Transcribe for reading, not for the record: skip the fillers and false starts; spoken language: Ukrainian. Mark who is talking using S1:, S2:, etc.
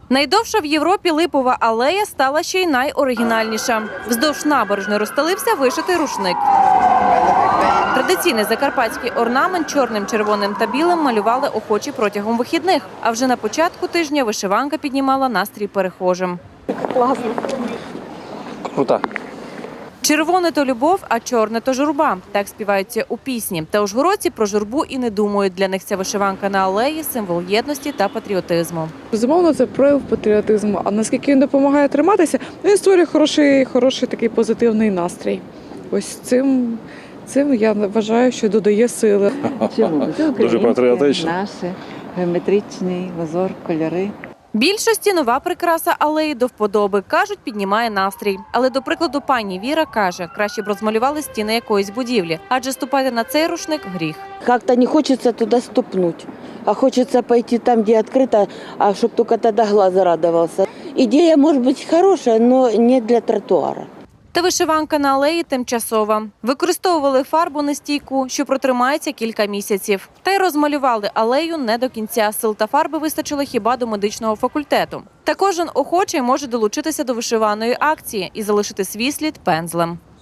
S1: Найдовша в Європі липова алея стала ще й найоригінальніша. Вздовж набережної розстелився вишитий рушник. Традиційний закарпатський орнамент чорним, червоним та білим малювали охочі протягом вихідних. А вже на початку тижня вишиванка піднімала настрій перехожим.
S2: Класно.
S3: Круто.
S1: Червоне – то любов, а чорне – то журба. Так співаються у пісні. Та ужгородці про журбу і не думають. Для них ця вишиванка на алеї – символ єдності та патріотизму.
S2: Безумовно, це прояв патріотизму. А наскільки він допомагає триматися, він створює хороший такий позитивний настрій. Ось цим я вважаю, що додає сили.
S4: Чому? Це
S3: Дуже патріотично.
S4: Наше, геометричний узор, кольори.
S1: Більшості нова прикраса алеї до вподоби. Кажуть, піднімає настрій. Але, до прикладу, пані Віра каже, краще б розмалювали стіни якоїсь будівлі. Адже ступати на цей рушник – гріх.
S5: Как-то не хочется туда ступнуть, а хочется пойти там, где открыто, а чтобы только тогда глаз радовался. Идея может быть хорошая, но не для тротуара.
S1: Та вишиванка на алеї тимчасова. Використовували фарбу нестійку, що протримається кілька місяців. Та й розмалювали алею не до кінця. Сил та фарби вистачило хіба до медичного факультету. Та кожен охочий може долучитися до вишиваної акції і залишити свій слід пензлем.